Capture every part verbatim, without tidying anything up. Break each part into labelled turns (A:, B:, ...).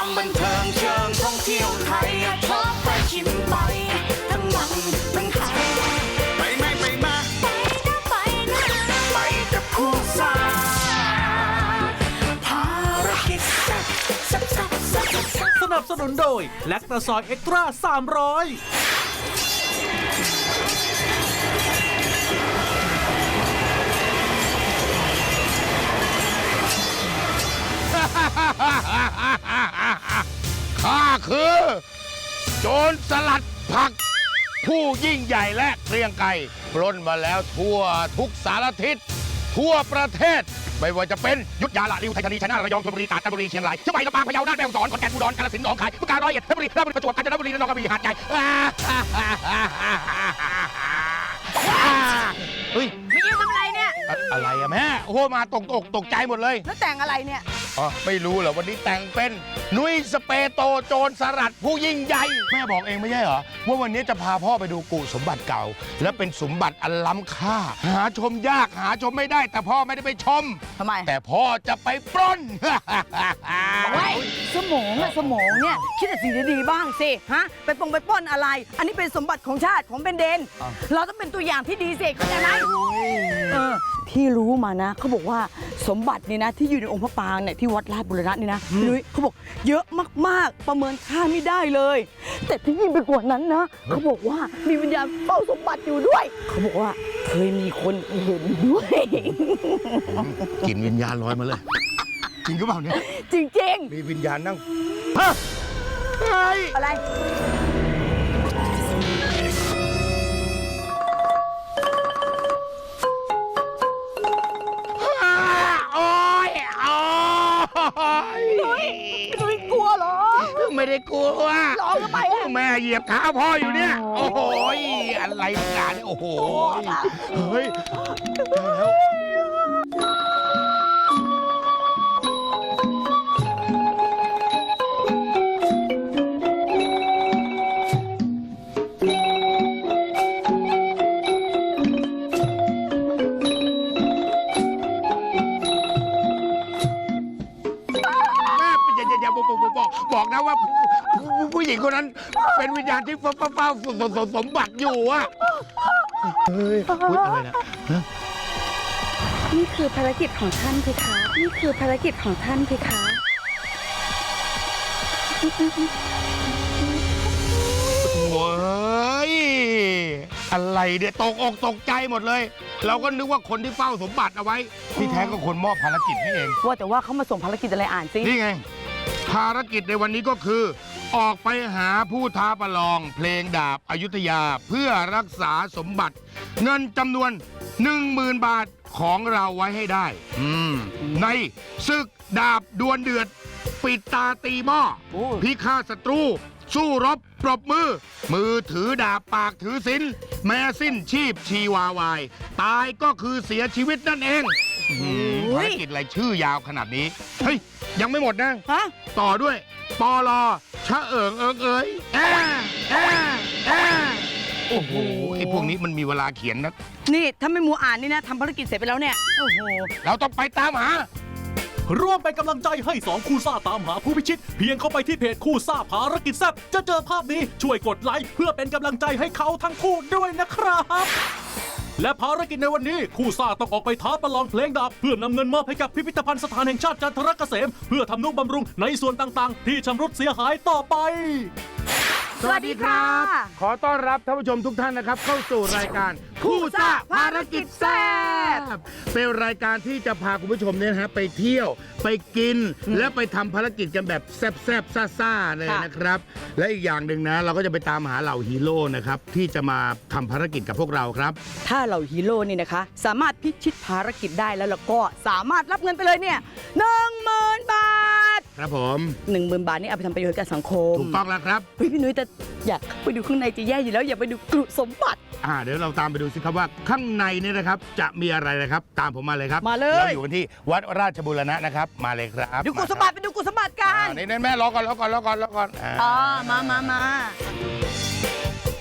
A: ความบันเทิงเชิงท่องเที่ยวไทยชอบไปชิมไปทั้งมันทั้งไทยไปไหมไปมาไปนะไปนะไปกับคู่ซ่าภารกิจแซ่บแซ่บแซ่บแซ่บแซ่บ
B: สนับสนุนโดยแลคตาซอยเอ็กตร้าสามร้อย
C: ข้าคือโจรสลัดผักผู้ยิ่งใหญ่และเกรียงไกรปล้นมาแล้วทั่วทุกสารทิศทั่วประเทศไม่ว่าจะเป็นยุทธยาละริวไทยธานีชัยนาทระยองชลบุรีตราดจันทบุรีเชียงรายเชียงใหม่ลำปางพะเยาน่านแม่ฮ่องสอนขอนแก่นอุดรกาฬสินธุ์หนองคายบึงกาฬร้อยเอ็ดเพชรบุรีราชบุรีประจวบกาญจนบุรีระนองกระบี่หาดใหญ่เฮ้ย
D: ไม่ยืนทำอะไรเนี่ย
C: อะไรอะแม่โอ้โหมาตกตกตกใจหมดเลย
D: แล้วแต่งอะไรเนี่ย
C: อ๋อไม่รู้เหรอวันนี้แต่งเป็นนุ้ยสเปโตโจรสลัดผู้ยิ่งใหญ่แม่บอกเองไม่ใช่เหรอว่าวันนี้จะพาพ่อไปดูกุสมบัติเก่า และเป็นสมบัติอันล้ำค่าหาชมยากหาชมไม่ได้แต่พ่อไม่ได้ไปชม
D: ทำไม
C: แต่พ่อจะไปปล้น
D: ไว้สมองอะสมองเนี่ยคิดแต่สิ่งดีๆบ้างสิฮะไปปงไปปล้นอะไร อันนี้เป็นสมบัติของชาติของเป็นเดนเราต้องเป็นตัวอย่างที่ดีสิเข้าใจไหมเออที่รู้มานะเขาบอกว่าสมบัตินี่นะที่อยู่ในองค์พระปรางเนี่ยที่วัดราชบุรณะนี่นะนุ้ยเขาบอกเยอะมากๆประเมินค่าไม่ได้เลย แต่ที่ยิ่งไปกว่านั้นนะเขาบอกว่ามีวิญญาณเฝ้าสมบัติอยู่ด้วยเขาบอกว่าเคยมีคนเห็นด้วย
C: กลิ่นวิญญาณลอยมาเลยจริงหรือเปล่าเนี่ย
D: จริงๆ
C: มีวิญญาณนั่งฮะเฮ้ย
D: อะไร
C: โอ้ยโอ้ย
D: นุ้ยนุ้ยกลัวเหรอ
C: ไม่ได้กลัว
D: ร้องทำไมอะ
C: แม่เหยียบเท้าพ่ออยู่เนี่ย โอ้โหอะไรกันเนี่ยโอ้โหเฮ้ยแล้วบอกนะว่าผู้หญิงคนนั้นเป็นวิญญาณที่เฝ้าเฝ้าสมบัติอยู่อะเฮ้ยพูดอะไรนะ
E: นี่คือภารกิจของท่านเพคะ นี่คือภารกิจของท่านเพคะ
C: โว้ยอะไรเนี่ยตกอกตกใจหมดเลย เราก็นึกว่าคนที่เฝ้าสมบัติเอาไว้ที่แท้ก็คนมอบภารกิจนี่เอง
D: ว่าแต่ว่าเขามาส่งภารกิจอะไรอ่านสิ
C: นี่ไงภารกิจในวันนี้ก็คือ ออกไปหาผู้ท้าประลองเพลงดาบอยุธยาเพื่อรักษาสมบัติ เงินจำนวน หนึ่งหมื่น บาทของเราไว้ให้ได้อืมในศึกดาบดวลเดือด ปิดตาตีหม้อพิฆาตศัตรู สู้รบปรบมือ มือถือดาบปากถือศีลแม้สิ้นชีพชีวาวาย ตายก็คือเสียชีวิตนั่นเองภารกิจอะไรชื่อยาวขนาดนี้เฮ้ยยังไม่หมดนะ
D: ฮะ
C: ต่อด้วยปอลอชะเอิงเอิงเอ๋ยแอแอแอโอ้โหไอ้พวกนี้มันมีเวลาเขียนนะ
D: นี่ถ้าไม่มัวอ่านนี่นะทำภารกิจเสร็จไปแล้วเนี่ย โอ้โห
C: เราต้องไปตามหา
B: ร่วมเป็นกำลังใจให้สองคู่ซ่าตามหาผู้พิชิต เพียงเข้าไปที่เพจคู่ซ่าภารกิจแซ่บจะเจอภาพนี้ช่วยกดไลค์เพื่อเป็นกำลังใจให้เขาทั้งคู่ด้วยนะครับ และภารกิจในวันนี้คู่ซ่าต้องออกไปท้าประลองเพลงดาบเพื่อนำเงินมอบให้กับพิพิธภัณฑ์สถานแห่งชาติจันทรเกษมเพื่อทำนุบำรุงในส่วนต่างๆ ที่ชำรุดเสียหายต่อไป
D: สวัสดีค่ะ
C: ขอต้อนรับท่านผู้ชมทุกท่านนะครับเข้าสู่รายการคู่ซ่าภารกิจแซ่บเป็นรายการที่จะพาคุณผู้ชมเนี่ยนะฮะไปเที่ยวไปกินและไปทำภารกิจกันแบบแซ่บๆซ่าๆเลยนะครับและอีกอย่างหนึ่งนะเราก็จะไปตามหาเหล่าฮีโร่นะครับที่จะมาทำภารกิจกับพวกเราครับ
D: ถ้าเราฮีโร่นี่นะคะ สามารถพิชิตภารกิจได้แล้วแล้วก็สามารถรับเงินไปเลยเนี่ยหนึ่งหมื่นบาท
C: ครับผม
D: หนึ่งหมื่นบาทนี่เอาไปทำประโยชน์กับสังคม
C: ถูกต้องแล้วครับ
D: เฮ้ยพี่นุ้ยแต่อยากไปดูข้างในจะแย่อยู่แล้วอยากไปดูกรุสมบัติ
C: อ่าเดี๋ยวเราตามไปดูสิครับว่าข้างในเนี่ยนะครับจะมีอะไรนะครับตามผมมาเลยครับ
D: มาเลย
C: เราอยู่กันที่วัดราชบูรณะนะครับมาเลยครับ
D: ดูกรุสมบัติไปดูกรุสมบัติกัน
C: อ่านี่แม่รอก่อนรอก่อนรอก่อนรอก่อนอ่า
D: อ๋อมามามา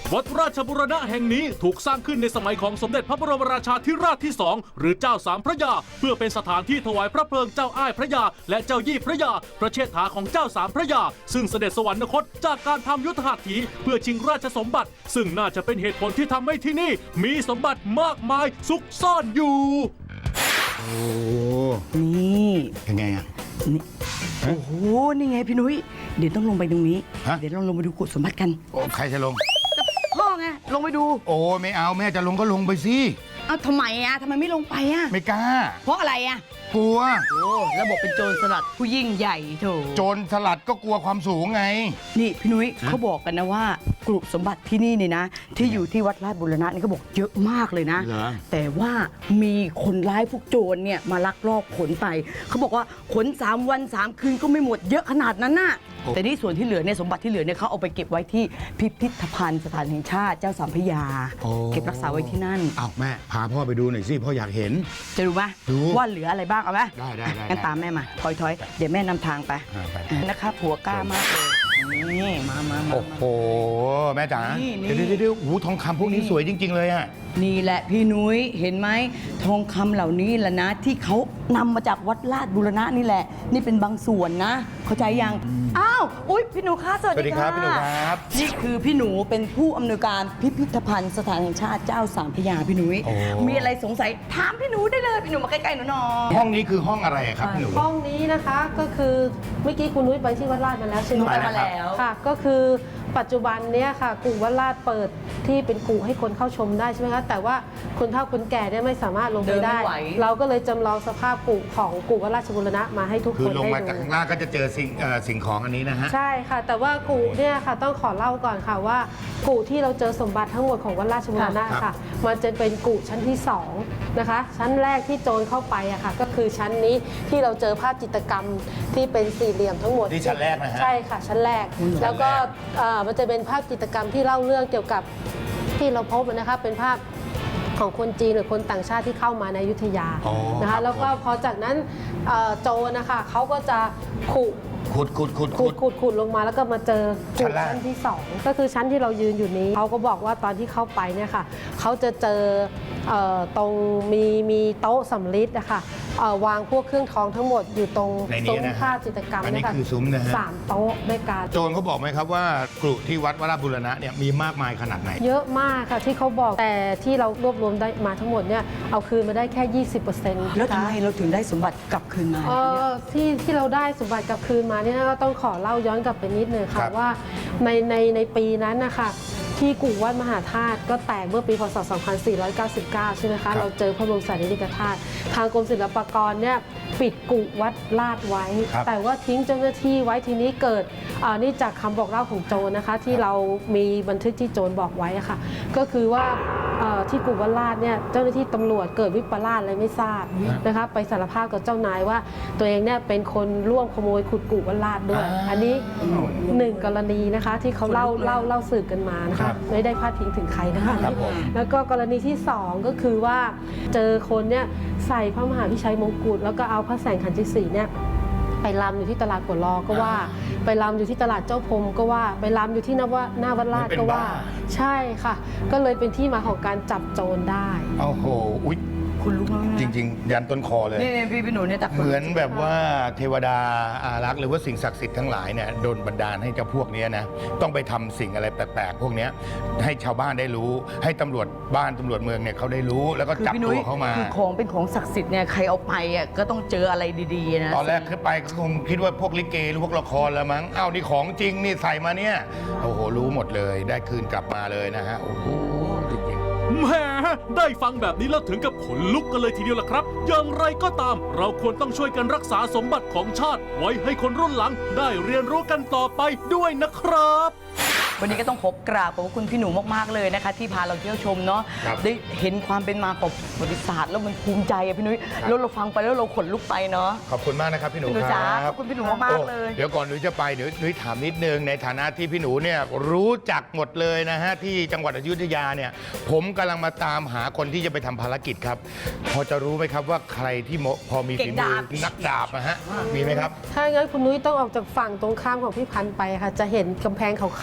B: วัดราชบูรณะแห่งนี้ถูกสร้างขึ้นในสมัยของสมเด็จพระบรมราชาธิราชที่สองหรือเจ้าสามพระยาเพื่อเป็นสถานที่ถวายพระเพลิงเจ้าอ้ายพระยาและเจ้ายี่พระยาพระเชษฐาของเจ้าสามพระยาซึ่งเสด็จสวรรคตจากการทำยุทธหัตถีเพื่อชิงราชสมบัติซึ่งน่าจะเป็นเหตุผลที่ทำให้ที่นี่มีสมบัติมากมายซุกซ่อนอยู่
C: โอ้
D: นี่
C: ยังไงอ่ะ
D: นี่โอ้โหนี่ไงพี่นุ้ยเดี๋ยวต้องลงไปตรงนี้
C: ฮะ
D: เดี๋ยวเราลงไปดูกุฏสมบัติกัน
C: โอ้ใครจะลง
D: พ่อไงลงไปดู
C: โอ้ไม่เอาแม่จะลงก็ลงไปสิ
D: เอ้าทำไมอ่ะทำไมไม่ลงไปอ่ะ
C: ไม่กล้า
D: เพราะอะไรอ่ะ
C: กลัว
D: โอ้ระบบเป็นโจรสลัดผู้ยิ่งใหญ่โถ
C: โจรสลัดก็กลัวความสูงไง
D: นี่พี่นุ้ยเขาบอกกันนะว่ากลุ่มสมบัติที่นี่เนี่ยนะ ที่อยู่ที่วัดราชบูรณะนี่เขาบอกเยอะมากเลยนะ
C: เหรอ
D: แต่ว่ามีคนร้ายพวกโจรเนี่ยมาลักลอบขนไปเขาบอกว่าขนสามวันสามคืนก็ไม่หมดเยอะขนาดนั้นน่ะแต่นี่ส่วนที่เหลือเนี่ยสมบัติที่เหลือเนี่ยเขาเอาไปเก็บไว้ที่พิพิธภัณฑ์สถานแห่งชาติเจ้าสามพระยา เก็บรักษาไว้ที่นั่น
C: อ้าวแม่พาพ่อไปดูหน่อยสิพ่ออยากเห็น
D: จะดูไหม
C: ดู
D: ว่าเหลืออะไรบ้างเอาไหม
C: ได้ได้ได้
D: งั้นตามแม่มาถอยถอยเดี๋ยวแม่นำทางไป
C: อ่าไป
D: นะคะผัวกล้ามากเลยนี่มามามา
C: โอ้โหแม่จ๋า
D: นี่นี่
C: เดี๋ยวเดี๋ยวเดี๋ยวโอ้โหทองคำพวกนี้สวยจริง ๆ เลยอ่ะ
D: นี่แหละพี่นุ้ยเห็นไหมทองคำเหล่านี้แหละนะที่เขานำมาจากวัดราชบูรณะนี่แหละ นี่เป็นบางส่วนนะ เข้าใจยังอ้าวอุ้ยพี่หนูคะสวัส
C: สวัสดี
D: ดี
C: ครั
D: ค่ะ
C: บพี่หนูครับ
D: นี่คือพี่หนูเป็นผู้อำนวยการพิพิธภัณฑ์สถานแห่งชาติเจ้าสามพระยาพี่นุ้ย
C: โอ้
D: มีอะไรสงสัยถามพี่หนูได้เลยพี่หนูมาใกล้ๆหนูหน่อย
C: ห้องนี้คือห้องอะไรอะครับพี่หนู
F: ห้องนี้นะคะก็คือเมื่อกี้คุณนุ้ยไปที่วัดราชมาแล้วใช่ไหม
C: ไปแล้วครับ
F: ค่ะ ก็คือปัจจุบันเนี้ยค่ะกู่วัดราชเปิดที่เป็นกู่ให้คนเข้าชมได้ใช่ไหมคะแต่ว่าคนเฒ่าคนแก่เนี่ยไม่สามารถลงไปได้ เราก็เลยจำลองสภาพกู่ของกู่วัดราชบูรณะมาให้ทุก
C: คื
F: ค
C: อน ลง
F: ได้
C: มาจาก
F: ดู
C: ข้างล่างก็จะเจอสิ่งเอ่อสิ่งของอันนี้นะฮะ
F: ใช่ค่ะ แต่ว่ากู่เนี่ยค่ะต้องขอเล่าก่อนค่ะว่ากู่ที่เราเจอสมบัติทั้งหมดของวัดราชบูรณะ
C: ครับ
F: ค่ะ มันจะเป็นกู่ชั้นที่สองนะคะ ชั้นแรกที่โจรเข้าไปอะค่ะ ก็คือชั้นนี้ที่เราเจอภาพจิตรกรรมที่เป็นสี่เหลี่ยมทั้งหมด
C: ที่ชั้นแรกนะฮะ
F: ใช่ค่ะชั้นแรก แล้วก็เอ่อมันจะเป็นภาพจิตรกรรมที่เล่าเรื่องเกี่ยวกับที่เราพบนะคะเป็นภาพของคนจีนหรือคนต่างชาติที่เข้ามาในอยุธยา
C: อ๋อ
F: นะ
C: ครั
F: คะ
C: บ
F: แล้วก็พอจากนั้นเอ่อโจรนะคะเขาก็จะขุ
C: ขุดขุดขุด
F: ขุ
C: ขุ
F: ด
C: ด
F: ขุดขุดลงมาแล้วก็มาเจอ
C: ชั้นล่าง
F: ชั้นที่สองก็คือชั้นที่เรายืนอยู่นี้เขาก็บอกว่าตอนที่เข้าไปเนี่ยค่ะเขาจะเจอเอ่อตรงมีมีโต๊ะสำริดนะคะเอ่อวางพวกเครื่องทองทั้งหมดอยู่ตรง
C: ในนี้
F: ซุ้ม
C: นะฮะ
F: ภาพจิตรกรรม
C: อันนี้
F: เยค่ะ
C: คือซุ้มนะฮะ
F: สามโต๊ะด้วยกัน
C: โจรเขาบอกไหมครับว่ากรุที่วัดวราชบูรณะเนี่ยมีมากมายขนาดไหน
F: เยอะมากค่ะที่เขาบอกแต่ที่เรารวบรวมได้มาทั้งหมดเนี่ยเอาคืนมาได้แค่ ยี่สิบเปอร์เซ็นต์
D: แล้วทำไมเราถึงได้สมบัติกลับคืนมา
F: เอ
D: เนี่ย
F: อที่ที่เราได้สมบัติกลับคืนมาเนี่ยก็ต้องขอเล่าย้อนกลับไปนิดนึง
C: ครั
F: ค่ะ
C: บ
F: ว่าในในในปีนั้นนะคะที่กู่วัดมหาธาตุก็แตกเมื่อปีพศ สองพันสี่ร้อยเก้าสิบเก้า ใช่ไหมคะเราเจอพระบรมสารีริกธาตุทางกรมศิลปากรเนี่ยปิดกู่วัดลาดไว้
C: ครับ
F: แต่ว่าทิ้งเจ้าหน้าที่ไว้ทีนี้เกิดอ่านี่จากคำบอกเล่าของโจรนะคะ ที่เรามีบันทึกที่โจรบอกไว้อะค่ะ ก็คือว่าเอ่อที่กู่วัดลาดเนี่ยเจ้าหน้าที่ตำรวจเกิดวิปลาสอะไรไม่ทราบนะคะไปสารภาพกับเจ้านายว่า ตัวเองเนี่ยเป็นคนร่วมขโมยขุดกู่วัดลาดด้วย อันนี้หนึ่งกรณีนะคะที่เขาเล่าเล่าเล่าสืบกันมานะ
C: ครั
F: คะ
C: บ
F: ไม่ได้พาดพิงถึงใครนะคะ
C: ครับผม
F: แล้วก็กรณีที่สองก็คือว่าเจอคนเนี่ยใส่พระมหาพิชัยมงกุฎแล้วก็เอาพระแสงขันธิสีเนี่ยไปรำอยู่ที่ตลาดหัวลอก็ว่า ไปรำอยู่ที่ตลาดเจ้าพรมก็ว่า ไปรำอยู่ที่หน้าวัดหน้าวัดลาดก็ว่า ใช่ค่ะ ก็เลยเป็นที่มาของการจับโจรได้
C: โอ้โหอุ๊ย
D: คุณรู้ไหมนะ
C: จริง ๆ ยันต้นคอเลย
D: นี่นี่พี่พี่หนูเนี่ยแต่
C: เหมือนแบบว่าเทวดาอารักษ์หรือว่าสิ่งศักดิ์สิทธิ์ทั้งหลายเนี่ยโดนบันดาลให้เจ้าพวกเนี้ยนะต้องไปทำสิ่งอะไรแปลกๆพวกเนี้ยให้ชาวบ้านได้รู้ ให้ตำรวจบ้านตำรวจเมืองเนี่ยเขาได้รู้ แล้วก็
D: คือ
C: จับ
D: พี่นุ้
C: ตั
D: ยว
C: เขามา
D: คือของเป็นของศักดิ์สิทธิ์เนี่ยใครเอาไปอ่ะก็ต้องเจออะไรดีๆนะ
C: ตอนแรกขึ้นไปก็คงคิดว่าพวกลิเกหรือพวกละครแล้วมั้งอ้าวนี่ของจริงนี่ใส่มาเนี่ยโอ้โหรู้หมดเลยได้คืนกลับมาเลยนะฮะโอ้โหจริงๆ
B: แหมได้ฟังแบบนี้แล้วถึงกับขนลุกกันเลยทีเดียวล่ะครับ อย่างไรก็ตาม เราควรต้องช่วยกันรักษาสมบัติของชาติ ไว้ให้คนรุ่นหลังได้เรียนรู้กันต่อไปด้วยนะครับ
D: วันนี้ก็ต้องขอกราบขอบคุณพี่หนูมากๆเลยนะคะ ที่พาเราเที่ยวชมเนาะ
C: ครับ
D: ได้เห็นความเป็นมาของประวัติศาสตร์แล้วมันภูมิใจอะพี่นุ้ย
C: ครับ
D: แล้วเราฟังไปแล้วเราขนลุกไปเนาะ
C: ขอบคุณมากนะครับพี่หนู
D: พี่หนู
C: ค
D: จ๋า
C: รับ
D: ขอบคุณพี่หนูมากๆเลย
C: โอ้เดี๋ยวก่อนหนูจะไปเดี๋ยวหนูถามนิดนึงในฐานะที่พี่หนูเนี่ยรู้จักหมดเลยนะฮะที่จังหวัดอยุธยาเนี่ยผมกำลังมาตามหาคนที่จะไปทำภารกิจครับ พอจะรู้ไหมครับว่าใครที่เหมาะพอมีฝีมือนักดาบนะฮะมีไหมครับ
F: ถ้างั้นคุณนุ้ยต้องออกจากฝั่งตรงข้ามของพี่พันธุ์ไปค่ะ จะเห็นกำแพงขาวๆแล้ว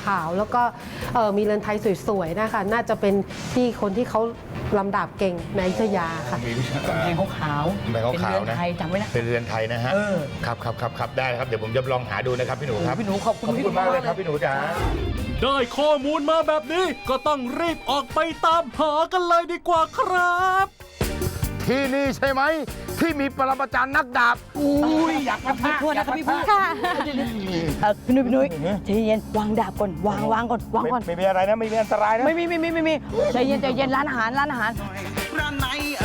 F: แล้วก็เอ่อมีเรือนไทยสวยๆนะคะน่าจะเป็นที่คนที่เขาลำดาบเก่งในอยุธยาค่ะ
C: มีวิชาก
D: ำแพงขาว
C: กำแพงขาว
D: เป็น
C: ๆ
D: เรือน
C: นะ
D: ไทยจำไว้นะ
C: เป็นเรือนไทยนะฮะ
D: เออ
C: ครับครับครับครับได้ครับเดี๋ยวผมจะลองหาดูนะครับพี่หนูครับ
D: พี่หนูขอบคุณ
C: ขอบ
D: พี่
C: คุณมากเลยครับพี่หนูจ๋า
B: ได้ข้อมูลมาแบบนี้ก็ต้องรีบออกไปตามหากันเลยดีกว่าครับ
C: ที่นี่ใช่ไหมที่มีปรมาจารย์นักดาบอุ้ยอยากมา
D: พี่พูดนะครับพี่พูดค่ะเออพี่นุ้ยพี่นุ้ยใจเย็นวางดาบก่อนวางวางก่อนวางก่อน
C: ไม่มีอะไรนะไม่มีอันตรายนะ
D: ไม่มีไม่มีไม่มีใจเย็นใจเย็นร้านอาหารร้านอาหาร
A: ร้านไหนอ